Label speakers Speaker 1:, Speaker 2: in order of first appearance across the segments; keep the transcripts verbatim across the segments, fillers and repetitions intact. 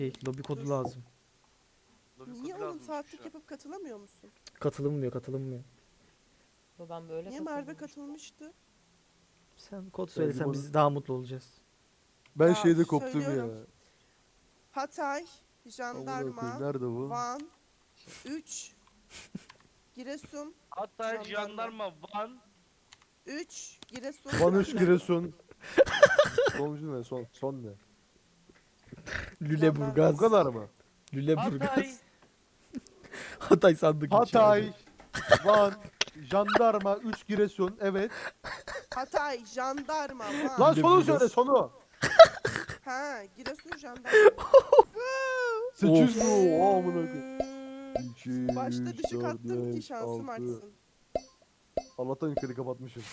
Speaker 1: Şey, lobi kodu lazım.
Speaker 2: Lobi
Speaker 3: Niye
Speaker 2: kodu
Speaker 3: onun
Speaker 2: lazımmış
Speaker 3: saatlik
Speaker 2: şu an.
Speaker 3: yapıp katılamıyor musun?
Speaker 1: Katılınmıyor, katılınmıyor.
Speaker 4: Yo, ben böyle
Speaker 3: Niye Merve
Speaker 4: katılıyorum.
Speaker 3: katılmıştı?
Speaker 1: Sen kod
Speaker 5: Ben
Speaker 1: söylesen
Speaker 5: limonu-
Speaker 1: biz daha mutlu olacağız.
Speaker 5: Ben
Speaker 3: Ya,
Speaker 5: şeyde koptum ya.
Speaker 3: söylüyorum. Hatay,
Speaker 5: Amına
Speaker 3: Jandarma,
Speaker 5: koyayım, nerede bu?
Speaker 3: Van, üç, Giresun,
Speaker 2: Hatta
Speaker 3: Jandarma.
Speaker 2: jandarma Van.
Speaker 3: üç, Giresun.
Speaker 5: Van üç Giresun. Sonuncu ne? Son, son ne?
Speaker 1: Lüleburgaz.
Speaker 5: Bu kadar mı?
Speaker 1: Lüleburgaz.
Speaker 2: Hatay.
Speaker 1: Hatay sandık
Speaker 5: Hatay, Van, Jandarma, üç Giresun. Evet.
Speaker 3: Hatay, Jandarma, Van.
Speaker 5: Lan sonu
Speaker 1: Lüleburgaz.
Speaker 5: söyle sonu.
Speaker 3: Ha, Giresun, Jandarma.
Speaker 5: sekiz yüz mu? Aa, amına koyayım. iki,
Speaker 3: Başta
Speaker 5: üç,
Speaker 3: düşük
Speaker 5: dört,
Speaker 3: attım ki
Speaker 5: beş,
Speaker 3: şansım
Speaker 5: altı.
Speaker 3: artsın.
Speaker 5: Allah'tan yukarı kapatmışım.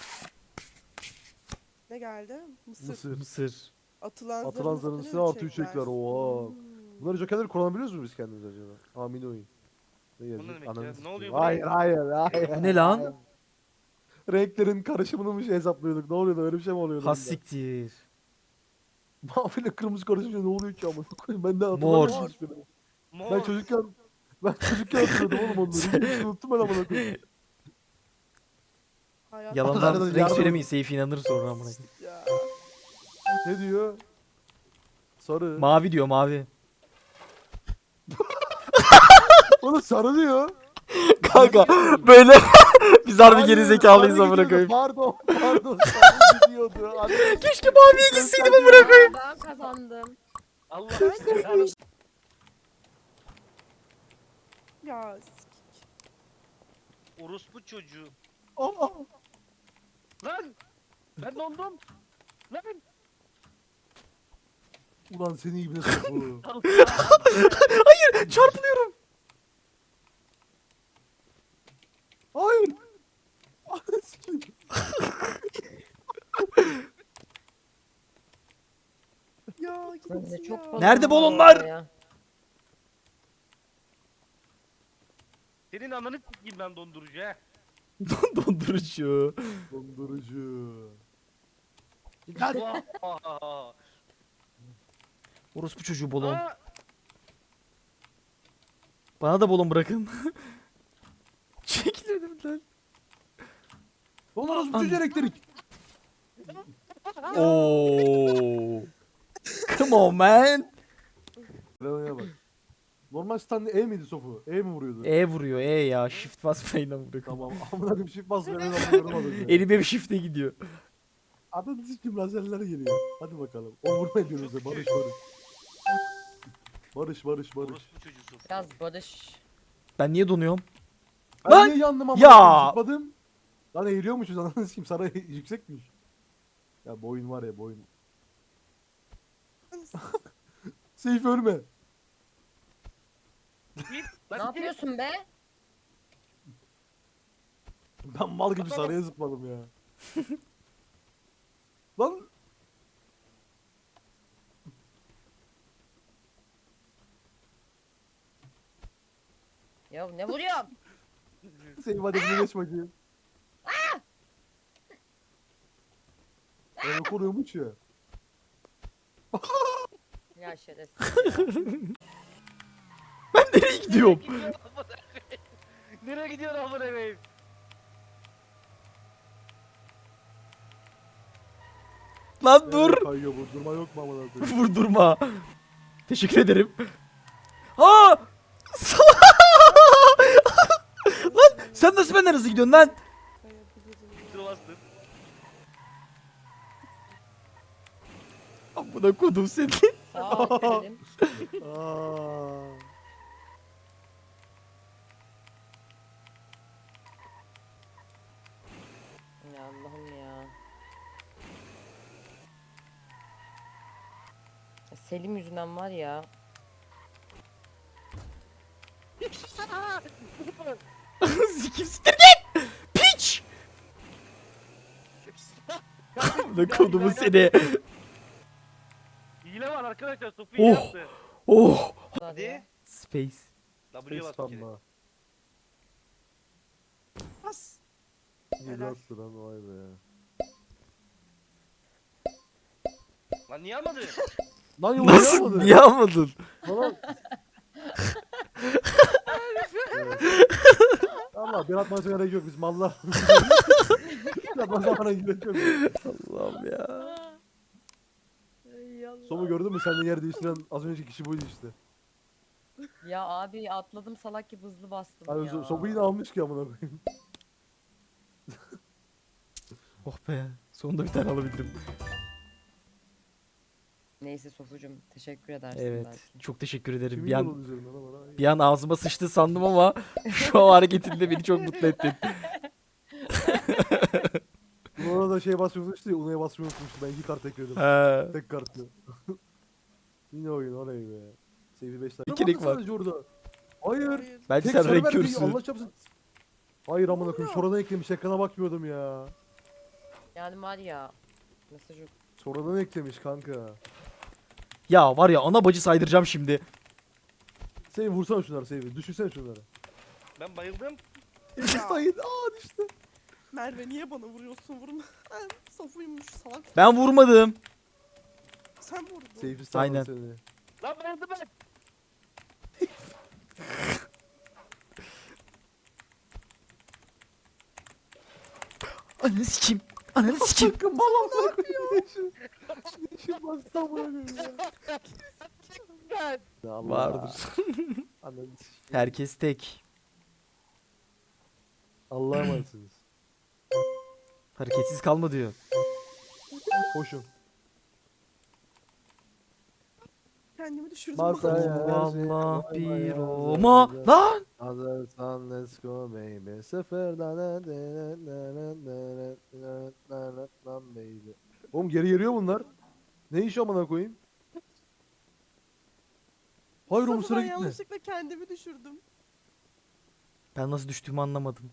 Speaker 3: Ne geldi? Mısır.
Speaker 5: Mısır.
Speaker 1: Mısır.
Speaker 3: Atılan,
Speaker 5: Atılan
Speaker 3: zarın
Speaker 5: zarın
Speaker 3: üstüne
Speaker 5: üstüne
Speaker 3: mi
Speaker 5: artı üç ekler.
Speaker 3: Hmm.
Speaker 5: Oha. Bunları jokerleri kullanabiliyoruz mu biz kendimiz acaba? Amin oyun. Ne
Speaker 2: ne
Speaker 5: yazıyor?
Speaker 2: demek ya?
Speaker 5: Ananı
Speaker 2: Ne
Speaker 5: sikeyim.
Speaker 2: oluyor
Speaker 5: Hayır
Speaker 2: buraya?
Speaker 5: hayır hayır.
Speaker 1: Bu ne lan?
Speaker 5: hayır. Renklerin karışımını mı şey hesaplıyorduk? Ne oluyordu? Öyle bir şey mi oluyordu?
Speaker 1: Has siktir.
Speaker 5: Mavi ile kırmızı karışınca ne oluyor ki amına koyayım? Ben de
Speaker 1: Mor.
Speaker 5: hatırlamıyorum hiçbirini.
Speaker 2: Mor.
Speaker 5: Ben çocukken ben çocukken hatırlıyordum oğlum onları. Hiçbirini unuttum ben amına koyayım.
Speaker 3: Hayat-
Speaker 1: Yalandan
Speaker 5: Nereden
Speaker 1: renk
Speaker 5: yardım-
Speaker 1: söylemeyin. Seyfi inanır sonra amına koyayım.
Speaker 3: Ya.
Speaker 5: Ne diyor? Sarı.
Speaker 1: Mavi diyor mavi.
Speaker 5: Oğlum sarı diyor.
Speaker 1: Kanka böyle biz harbi
Speaker 5: Hayır,
Speaker 1: geri zekalıyız
Speaker 5: sarı
Speaker 1: amına
Speaker 5: gidiyordu.
Speaker 1: koyayım.
Speaker 5: Pardon pardon sarı gidiyordu. Anne,
Speaker 1: Keşke maviye gitseydim amına koyayım.
Speaker 4: Ben kazandım.
Speaker 2: Allah aşkına.
Speaker 3: Ya sikik.
Speaker 2: Orospu çocuğu.
Speaker 5: Aa,
Speaker 2: Lan. Ben dondum. Lan.
Speaker 5: ulan seni ibne soku.
Speaker 1: Çarpılıyorum.
Speaker 5: Hayır. Ananı sikeyim.
Speaker 3: Ya
Speaker 4: Ben de
Speaker 3: gitsin
Speaker 4: çok
Speaker 3: ya.
Speaker 4: fazla
Speaker 1: Nerede
Speaker 4: var
Speaker 1: balonlar?
Speaker 4: orada ya.
Speaker 2: Senin ananı s**eyim ben dondurucu he.
Speaker 1: Dondurucu.
Speaker 5: Dondurucu.
Speaker 2: Vaa.
Speaker 1: Orospu çocuğu balon.
Speaker 2: Aa,
Speaker 1: Bana da balon bırakın. Çekil önümden.
Speaker 5: Lan orası bu çocuğu elektrik.
Speaker 1: Oo. Come on man.
Speaker 5: Revo'ya bak. Normal stand E miydi Sofu? E mi vuruyordu?
Speaker 1: E vuruyor E ya. Shift basmayın amına koyayım.
Speaker 5: Tamam. Amına koyayım shift basmıyor. Ben anlıyorum az önce.
Speaker 1: Elim hep shift'e gidiyor.
Speaker 5: Ananı sikim lazerler geliyor. Hadi bakalım. O vurma ediyoruz ya. Barış barış. Barış barış barış.
Speaker 2: orospu çocuğusu.
Speaker 4: Biraz barış.
Speaker 1: Ben niye donuyorum?
Speaker 5: Ben
Speaker 1: Lan!
Speaker 5: niye yandım ama?
Speaker 1: Ya!
Speaker 5: Zıpladım. Lan eğiliyormuşuz ananı sikim. Saray yüksekmiş. Ya boyun var ya boyun. Seyf ölme.
Speaker 2: Git.
Speaker 4: Ne
Speaker 2: Lan git.
Speaker 4: yapıyorsun be?
Speaker 5: Ben mal gibi saraya zıpladım ya. Lan
Speaker 4: Ya ne vuruyorsun?
Speaker 5: Seyf hadi bunu geç bakayım. Onu koruyormuş ya.
Speaker 4: Ya şerefsiz.
Speaker 1: Ben nereye gidiyorum?
Speaker 2: Nereye gidiyorsun amına koyayım?
Speaker 1: Lan dur.
Speaker 5: Kayıyor vurdurma yok mu amına koyayım?
Speaker 1: Vurdurma. Teşekkür ederim. Aa! Lan sen nasıl benden hızlı gidiyorsun lan?
Speaker 2: Dur bastın.
Speaker 1: Amına kodum seni.
Speaker 4: Sağ ol dedim.
Speaker 5: Aa.
Speaker 4: Ya Allah'ım ya. Ya Selim yüzünden var ya.
Speaker 1: Sikim siktir git. Piç. Amına kodumu seni.
Speaker 2: Hile var arkadaşlar. Sofu
Speaker 1: Oh.
Speaker 2: hile yaptı.
Speaker 1: Oh.
Speaker 2: Hadi.
Speaker 1: Space.
Speaker 2: W'ye bas bir kere.
Speaker 5: Spamla.
Speaker 3: Bas.
Speaker 5: Yılattı lan vay be.
Speaker 2: Lan niye almadı?
Speaker 5: Lan yumruğu
Speaker 1: Nasıl?
Speaker 5: almadı.
Speaker 1: Niye almadın?
Speaker 5: Lan. Evet. Allah bir atmasına gerek yok biz mallar. Bir atmasına gerek yok.
Speaker 1: Allah'ım ya.
Speaker 4: Ey Allah.
Speaker 5: Somu gördün mü? Seninle yer değiştiren az önceki kişi buydu işte.
Speaker 4: Ya abi atladım salak gibi hızlı bastım
Speaker 5: Hayır,
Speaker 4: ya.
Speaker 5: so Somu yine almış ki amına koyayım.
Speaker 1: Oh be. Sonunda bir tane alabildim.
Speaker 4: Neyse Sofucum teşekkür edersin
Speaker 1: Evet.
Speaker 4: belki.
Speaker 1: Çok teşekkür ederim.
Speaker 5: Kimin
Speaker 1: Bir an,
Speaker 5: yolu üzerinden ama lan?
Speaker 1: bir an ağzıma sıçtı sandım ama şu an hareketinde beni çok mutlu ettin.
Speaker 5: Buna da şey basmayı unutmuştu ya. Una'ya basmayı unutmuştu. Ben iki kart ekledim.
Speaker 1: He.
Speaker 5: Tek kartlı. Yine oyun orayı be. Seyfi beş tane.
Speaker 1: Bir kere var.
Speaker 5: Sadece orada. Hayır.
Speaker 3: Hayır.
Speaker 1: Bence
Speaker 5: Tek
Speaker 1: sen
Speaker 5: sarı
Speaker 1: renk
Speaker 5: verdi,
Speaker 1: körsün.
Speaker 5: Allah çarpsın. Hayır amına koyayım. Sonradan eklemiş. Ekrana bakmıyordum ya.
Speaker 4: Yani var ya mesajı
Speaker 5: Sonradan eklemiş kanka.
Speaker 1: Ya var ya ana bacı saydıracağım şimdi.
Speaker 5: Seyfi vursana şunları Seyfi. Düşünsene şunları.
Speaker 2: Ben bayıldım.
Speaker 5: Sayın. Aa düştü.
Speaker 3: Merve niye bana vuruyorsun? Vurma. Ben Safuymuş salak.
Speaker 1: Ben vurmadım.
Speaker 3: Sen vurdun.
Speaker 5: Seyfi sağ
Speaker 1: Aynen.
Speaker 5: seni.
Speaker 2: Lan bayıldım ben.
Speaker 1: Ananı sikeyim. Ananı sikeyim.
Speaker 5: Bakın mal amına koyayım. İşin bastı amına koyayım ya. Ya Allah.
Speaker 1: Vardır.
Speaker 5: Ananı sikeyim.
Speaker 1: Herkes tek.
Speaker 5: Allah'a emanetsiniz.
Speaker 1: Hareketsiz kalma diyor.
Speaker 5: Koşun.
Speaker 3: Kendimi düşürdüm.
Speaker 5: Masaya her şey
Speaker 1: Allah
Speaker 5: koymaya
Speaker 1: bir
Speaker 5: hazır.
Speaker 1: Roma. Lan.
Speaker 5: Hazırsan let's go baby. Sıfırdan lan baby. Oğlum geri geliyor bunlar. Ne iş amına koyayım? Hayır oğlum
Speaker 3: Safu
Speaker 5: sıra
Speaker 3: ben
Speaker 5: gitme.
Speaker 3: yanlışlıkla kendimi düşürdüm.
Speaker 1: Ben nasıl düştüğümü anlamadım.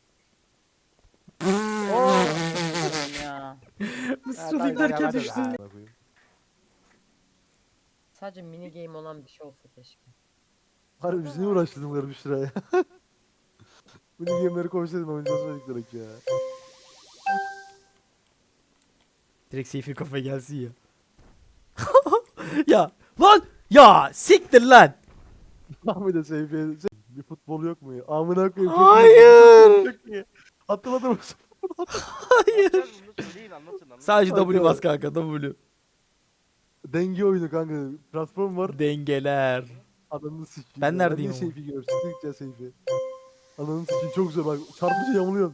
Speaker 4: ya.
Speaker 1: Nasıl derken düştüm.
Speaker 5: Amına koyayım.
Speaker 4: Sadece mini game olan bir şey olsa keşke.
Speaker 5: Harbi biz niye uğraştırdım garip bir ya. Mini game'leri koysaydım oynayacağız dedik direkt ya.
Speaker 1: Direkt Seyfi kafa gelsin ya. Ya lan ya siktir lan.
Speaker 5: Ahmet de Seyfi'ye bir futbol yok mu ya? Amına koyayım. çok
Speaker 1: Hayır.
Speaker 5: iyi. Çok iyi. Hatırladın mı?
Speaker 1: Hayır.
Speaker 2: Bunu söyleyin anlatın anlatın.
Speaker 1: Sadece W
Speaker 5: Kanka.
Speaker 1: bas kanka W.
Speaker 5: Denge oyunu kanka. Platform var.
Speaker 1: Dengeler.
Speaker 5: Ananı sikeyim.
Speaker 1: Ben
Speaker 5: ya.
Speaker 1: neredeyim
Speaker 5: Ben
Speaker 1: ama?
Speaker 5: niye Seyfi görüyorum? Siktir gideceğiz Seyfi. Ananı sikeyim çok güzel bak. Çarpıcı yamuluyorsun.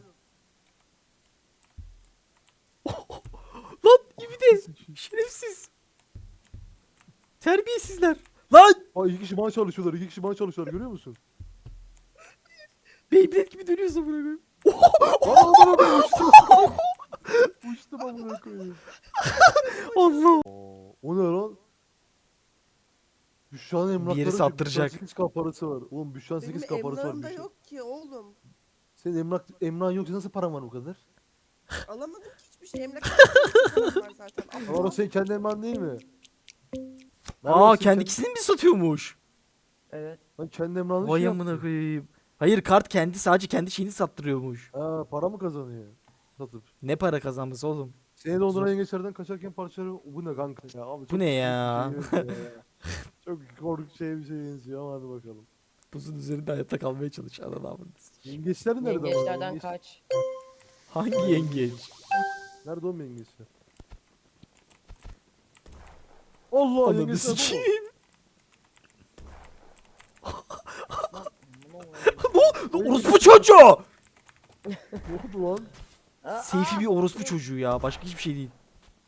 Speaker 1: Lan gibi de şerefsiz. Terbiyesizler. Lan
Speaker 5: Ay iki kişi bana çalışıyorlar. İki kişi bana çalışıyorlar. Görüyor musun?
Speaker 1: Beyblade gibi dönüyorsun buraya. koyayım.
Speaker 5: Aa amına koyayım uçtum. Uçtum amına koyayım.
Speaker 1: Allah.
Speaker 5: Oo, o ne lan? Büşra'nın emlakları
Speaker 1: yeri
Speaker 5: ki,
Speaker 1: sattıracak.
Speaker 5: Büşra'nın sekiz K parası var. Oğlum Büşra'nın
Speaker 3: Benim
Speaker 5: sekiz K parası var.
Speaker 3: emlakım da
Speaker 5: Büşra.
Speaker 3: yok ki oğlum.
Speaker 5: Senin emlak, emlakın yoksa nasıl paran var bu kadar?
Speaker 3: Alamadım ki hiçbir şey. Emlak var zaten.
Speaker 5: Ama o senin kendi emlakın değil mi?
Speaker 1: Aa
Speaker 5: Neredesin
Speaker 1: kendi
Speaker 5: sen?
Speaker 1: ikisini mi satıyormuş?
Speaker 4: Evet.
Speaker 5: Lan kendi emlakını
Speaker 1: Vay
Speaker 5: şey
Speaker 1: amına
Speaker 5: yaptı.
Speaker 1: koyayım. Hayır kart kendi sadece kendi şeyini sattırıyormuş.
Speaker 5: Ha para mı kazanıyor? Satıp.
Speaker 1: Ne para kazanması oğlum?
Speaker 5: Seni donduran yengeçlerden kaçarken parçaları bu ne kanka ya abi çok
Speaker 1: ne
Speaker 5: korkunç
Speaker 1: ya?
Speaker 5: bir şey benziyor ya. Çok korkunç şey bir şey benziyor ama hadi bakalım.
Speaker 1: Buzun üzerinde hayatta kalmaya çalış. Ananı avradını.
Speaker 5: Yengeçler nerede ama?
Speaker 4: Yengeçlerden
Speaker 5: Yengeç-
Speaker 4: kaç.
Speaker 1: Hangi yengeç?
Speaker 5: Nerede oğlum yengeçler? Allah
Speaker 1: Ananı
Speaker 5: yengeçler bu mu?
Speaker 1: sikeyim.
Speaker 4: Bunu-
Speaker 1: Lan orospu çocuğu!
Speaker 5: Ne oldu lan?
Speaker 4: Aa,
Speaker 1: Seyfi bir orospu çocuğu ya. Başka hiçbir şey değil.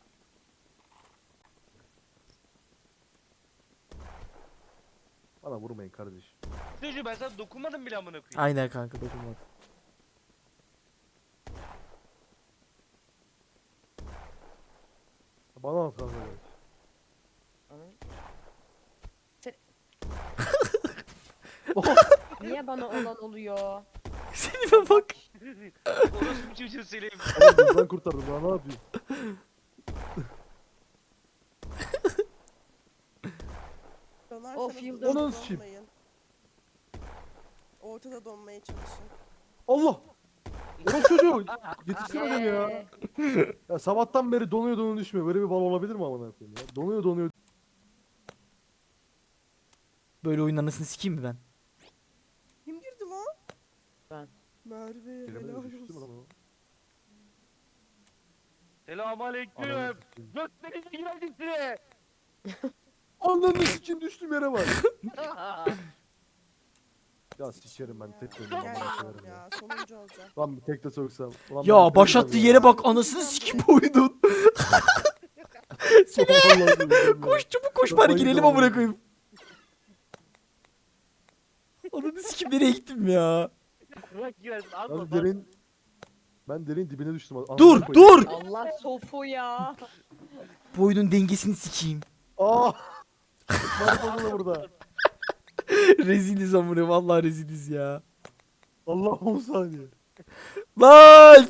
Speaker 5: Bana vurmayın kardeş.
Speaker 2: Çocuğu ben sana dokunmadım bile amına koyayım.
Speaker 1: Aynen kanka dokunmadı.
Speaker 5: Bana at kanka.
Speaker 4: Niye bana olan oluyor?
Speaker 1: Selim'e bak.
Speaker 2: Orası bir çocuğu söyleyeyim.
Speaker 5: Oğlum ben kurtardım daha ne yapayım?
Speaker 3: Donarsanız
Speaker 4: Of, yıldız.
Speaker 3: donmayın.
Speaker 5: Onun için.
Speaker 3: Ortada donmaya çalışın.
Speaker 5: Allah! Oğlum çocuğu! Yetiştirme beni ya.
Speaker 4: Eee,
Speaker 5: Ya sabahtan beri donuyor donuyor düşmüyor. Böyle bir bal olabilir mi amına koyayım ya? Donuyor donuyor.
Speaker 1: Böyle oyunun anasını sikeyim mi ben?
Speaker 3: Kim girdi lan?
Speaker 4: Ben.
Speaker 3: Merve helal
Speaker 5: Kelime düştü mü
Speaker 3: olsun.
Speaker 5: lan o?
Speaker 2: Selamünaleyküm.
Speaker 5: Ananı sikeyim.
Speaker 2: Göstereyim girelim size.
Speaker 5: Ananı sikeyim düştüm yere bak. Ya sikerim ben tek de
Speaker 3: Gel
Speaker 5: oynayayım ya.
Speaker 3: ya sonuncu olacağım.
Speaker 5: Lan bir tek de soksam. Ulan
Speaker 1: Ya
Speaker 5: ben
Speaker 1: başlattığı
Speaker 5: tek de
Speaker 1: yere bak anasını sikeyim bu oyunun.
Speaker 5: Vallahi
Speaker 1: Koş çabuk koş bari
Speaker 5: Kafayı
Speaker 1: girelim
Speaker 5: doğru.
Speaker 1: amına koyayım. Ananı sikeyim nereye gittim ya?
Speaker 2: Bırak girersin. Az
Speaker 5: Abi
Speaker 2: da
Speaker 5: derin ben derin dibine düştüm. Ananı
Speaker 1: Dur
Speaker 5: koyayım.
Speaker 1: dur.
Speaker 4: Allah sofu ya.
Speaker 1: Bu oyunun dengesini sikeyim.
Speaker 5: Aa! Var fazla burada.
Speaker 1: Reziliz amına vallahi reziliz ya.
Speaker 5: Allah on saniye.
Speaker 1: Lan!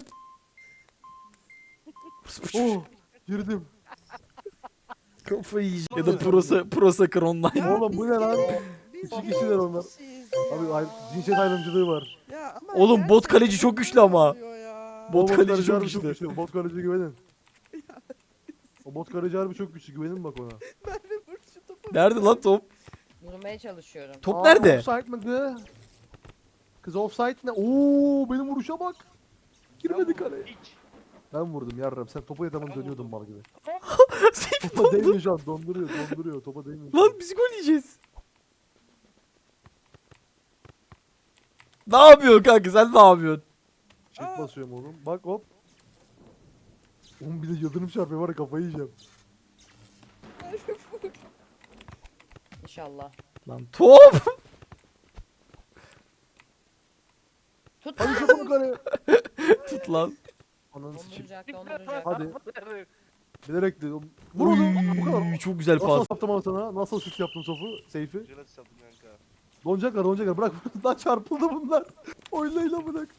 Speaker 5: Oh! Girdim.
Speaker 1: Kafayı yiyeceğim. Ya da Prosa, Prosakır Online.
Speaker 5: Oğlum bu ne lan?
Speaker 3: Biz
Speaker 5: İki
Speaker 3: bir
Speaker 5: kişiler onlar.
Speaker 3: kişiyiz
Speaker 5: Abi
Speaker 3: ya.
Speaker 5: ay, cinsiyet ayrımcılığı var.
Speaker 3: Ya ama
Speaker 1: Oğlum, bot
Speaker 3: gerçekten
Speaker 1: kaleci çok güçlü ama.
Speaker 3: oluyor ya.
Speaker 1: Bot
Speaker 5: O
Speaker 1: kaleci çok
Speaker 5: harbi
Speaker 1: güçlü.
Speaker 5: Bot kaleci güvenin. O bot kaleci harbi çok güçlü güvenin bak ona.
Speaker 3: Merve vur şu topu.
Speaker 1: Nerede lan top?
Speaker 4: Vurmaya çalışıyorum.
Speaker 1: Top
Speaker 5: Aa,
Speaker 1: nerede?
Speaker 5: Offside mi kız? Kız offside ne? Oo benim vuruşa bak. Girmedi kaleye.
Speaker 2: Hiç.
Speaker 5: Ben vurdum yarram. Sen topa yataman dönüyordun mal gibi.
Speaker 1: Seyfi
Speaker 5: Topa
Speaker 1: dondu.
Speaker 5: değmiyor şu an. Donduruyor, donduruyor. Topa değmiyor. şu an.
Speaker 1: Lan biz gol yiyeceğiz. Ne yapıyorsun kanka sen ne yapıyorsun?
Speaker 5: Çift basıyorum oğlum. Bak hop. Oğlum bir de yıldırım çarpıyor var ya kafayı yiyeceğim.
Speaker 3: Merve vur.
Speaker 4: İnşallah.
Speaker 1: Lan top.
Speaker 4: Tut.
Speaker 5: Hadi çabuk kaleye.
Speaker 1: Tut lan.
Speaker 5: Ananı sikeyim.
Speaker 4: Donduracak donduracak.
Speaker 5: Hadi. Bilerek de. Vur onu. Bu kadar.
Speaker 1: Uy, çok güzel
Speaker 5: Nasıl
Speaker 1: pas.
Speaker 5: yaptım ama sana? Nasıl şut yaptım sofu? Seyfi.
Speaker 2: Güzel atış yaptım kanka.
Speaker 5: Donacaklar donacaklar. Bırak. Lan çarpıldı bunlar. Oynayla bırak.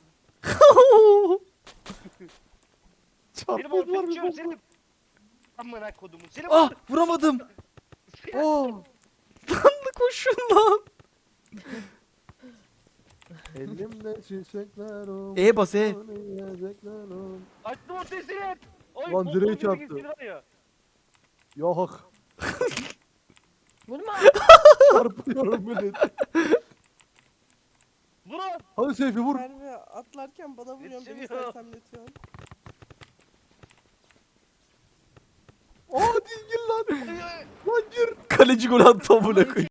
Speaker 2: Selim
Speaker 5: Çarpıldılar
Speaker 2: ortaya
Speaker 5: bir
Speaker 2: çıkıyor
Speaker 5: bomba.
Speaker 2: Selim. Amına kodumun. Selim
Speaker 1: Ah vuramadım.
Speaker 5: Oh.
Speaker 1: Koşun lan.
Speaker 5: Elimde çiçekler ol.
Speaker 1: E bas e.
Speaker 5: Yiyecekler ol.
Speaker 2: Açtım ortaya Selim. Oy,
Speaker 5: Lan
Speaker 2: bol
Speaker 5: direğe
Speaker 2: bol bir
Speaker 5: çarptı.
Speaker 2: gitsin var ya.
Speaker 5: Ya hak.
Speaker 4: Vurma.
Speaker 5: Çarpıyorum beni.
Speaker 2: Vurun.
Speaker 5: Hadi Seyfi vur.
Speaker 3: Merve atlarken bana vuruyorsun beni
Speaker 2: Yetişemiyor.
Speaker 3: sersemletiyorsun.
Speaker 5: Aa değil gir lan. Lan gir.
Speaker 1: Kaleci gol attı amına koyayım.